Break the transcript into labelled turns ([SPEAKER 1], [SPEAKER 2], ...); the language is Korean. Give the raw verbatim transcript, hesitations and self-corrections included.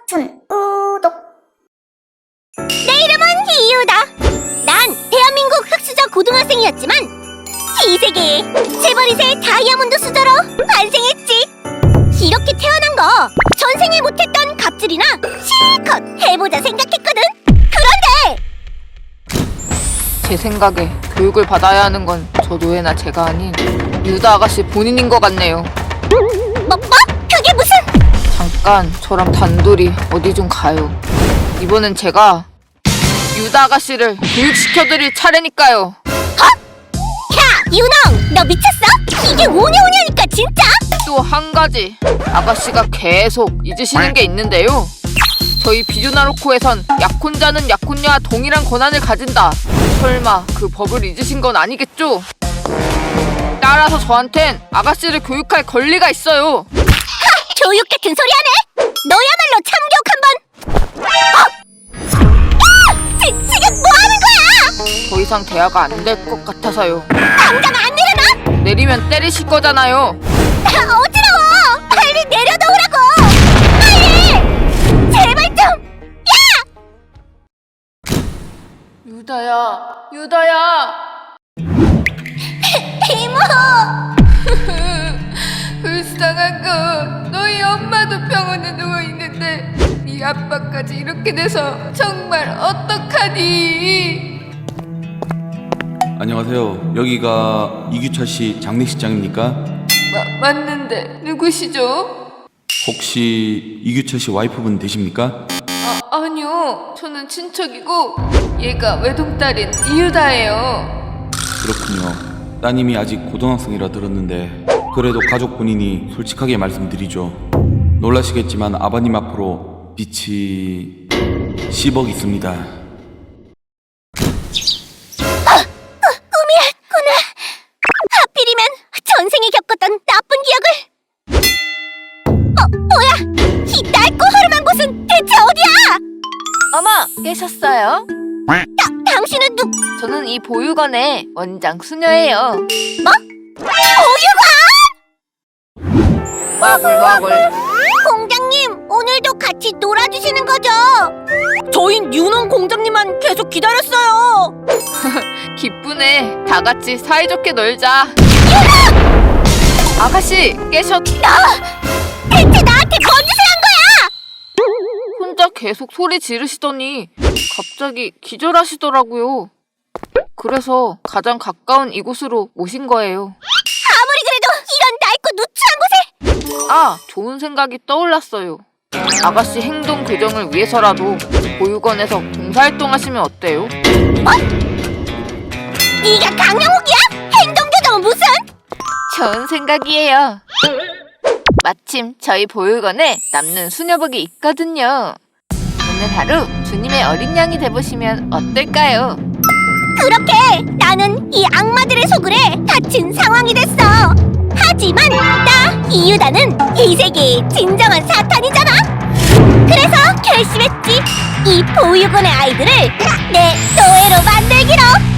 [SPEAKER 1] 준우독. 내 이름은 이유다. 난 대한민국 흑수저 고등학생이었지만 이 세계에 재벌이세 다이아몬드 수저로 환생했지. 이렇게 태어난 거 전생에 못했던 갑질이나 실컷 해보자 생각했거든. 그런데
[SPEAKER 2] 제 생각에 교육을 받아야 하는 건 저 노예나 제가 아닌 유다 아가씨 본인인 것 같네요.
[SPEAKER 1] 뭐? 뭐? 그게 무슨...
[SPEAKER 2] 잠깐 저랑 단둘이 어디 좀 가요. 이번엔 제가 유다 아가씨를 교육시켜드릴 차례니까요.
[SPEAKER 1] 어? 야 윤홍, 너 미쳤어? 이게 오냐오냐니까 진짜?
[SPEAKER 2] 또 한 가지 아가씨가 계속 잊으시는 게 있는데요. 저희 비주나로코에선 약혼자는 약혼녀와 동일한 권한을 가진다. 설마 그 법을 잊으신 건 아니겠죠? 따라서 저한텐 아가씨를 교육할 권리가 있어요.
[SPEAKER 1] 하! 교육 같은 소리 하네? 너야말로 참교육 한번... 어! 야! 지, 지금 뭐 하는 거야?
[SPEAKER 2] 더 이상 대화가 안 될 것 같아서요.
[SPEAKER 1] 당장 안 내려놔?
[SPEAKER 2] 내리면 때리실 거잖아요.
[SPEAKER 1] 아, 어지러워! 빨리 내려놓으라고! 빨리! 제발 좀! 야!
[SPEAKER 2] 유다야, 유다야.
[SPEAKER 1] 이모!
[SPEAKER 2] 불쌍한 거. 너희 엄마도 병원에 누워있는데 네 아빠까지 이렇게 돼서 정말 어떡하니?
[SPEAKER 3] 안녕하세요. 여기가 이규철 씨 장례식장입니까?
[SPEAKER 2] 마, 맞는데 누구시죠?
[SPEAKER 3] 혹시 이규철 씨 와이프분 되십니까?
[SPEAKER 2] 아, 아니요. 저는 친척이고 얘가 외동딸인 이유다예요.
[SPEAKER 3] 그렇군요. 따님이 아직 고등학생이라 들었는데 그래도 가족 본인이 솔직하게 말씀드리죠. 놀라시겠지만 아버님 앞으로 빛이 십억 있습니다.
[SPEAKER 1] 꿈이었구나. 하필이면 전생에 겪었던 나쁜 기억을... 어, 뭐야? 이 낡고 허름한 곳은 대체 어디야?
[SPEAKER 2] 어머, 깨셨어요?
[SPEAKER 1] 다, 당신은 누...
[SPEAKER 2] 저는 이 보육원의 원장 수녀예요.
[SPEAKER 1] 뭐? 보육원?
[SPEAKER 2] 와글와글.
[SPEAKER 1] 공장님, 오늘도 같이 놀아주시는 거죠? 저흰 윤홍 공장님만 계속 기다렸어요.
[SPEAKER 2] 기쁘네. 다 같이 사이좋게 놀자. 아가씨, 깨셨다.
[SPEAKER 1] 대체 나한테 뭔 짓을 한 거야?
[SPEAKER 2] 혼자 계속 소리 지르시더니 갑자기 기절하시더라고요. 그래서 가장 가까운 이곳으로 오신 거예요.
[SPEAKER 1] 아무리 그래도 이런 낡고 누추한 곳에...
[SPEAKER 2] 아, 좋은 생각이 떠올랐어요. 아가씨 행동 교정을 위해서라도 보육원에서 봉사활동하시면 어때요?
[SPEAKER 1] 뭐? 네가 강영욱이야? 행동교정은 무슨?
[SPEAKER 2] 좋은 생각이에요. 마침 저희 보육원에 남는 수녀복이 있거든요. 오늘 하루 주님의 어린 양이 돼보시면 어떨까요?
[SPEAKER 1] 그렇게 나는 이 악마들의 소굴에 갇힌 상황이 됐어. 하지만 나 이유다는 이 세계의 진정한 사탄이잖아. 그래서 결심했지. 이 보육원의 아이들을 내 노예로 만들기로.